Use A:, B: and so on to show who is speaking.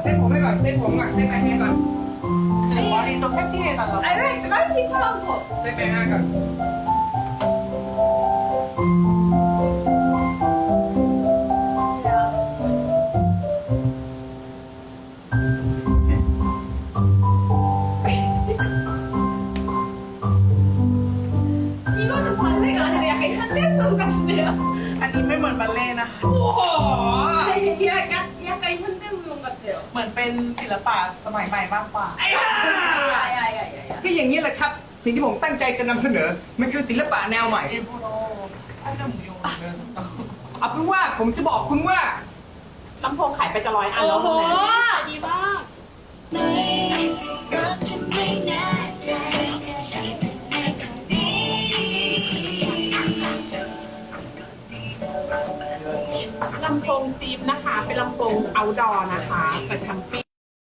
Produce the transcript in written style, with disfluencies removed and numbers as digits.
A: เส้นผมให้ก่อนเส้นผมก่อนเส้นไหนให้ก่อน
B: 머리 좀 세팅해달라고.
C: 알겠어, 빨리 핑크한 거.
A: เส้นไหนให้ก่อน
C: 이거는 발레가 아니라 약간 현대풍 같은데요?
B: 아니, 멜먼 발레나.
A: โอ้โห
C: 약간 현대무용 같아요.
B: เหมือนเป็นศิลปะสมัยใหม่มากกว่า
C: 야야야야야.
A: ก็อย่างนี้แหละครับ สิ่งที่ผมตั้งใจจะนำเสนอ มันคือศิลปะแนวใหม่
B: 일부러 하는 무용을
A: เอาเป็นว่าผมจะบอกคุณว่า
B: ลำโพงขายไปจะ100 อันแล้ว
C: โอ้โห
B: ดีมาก
D: ไม่รักฉันไม่แน่ใจฉันจะแอบคนนี้
E: ลำโพงจี๊ปนะคะ เป็นลำโพง outdoor นะคะเปิดแคมปิ้ง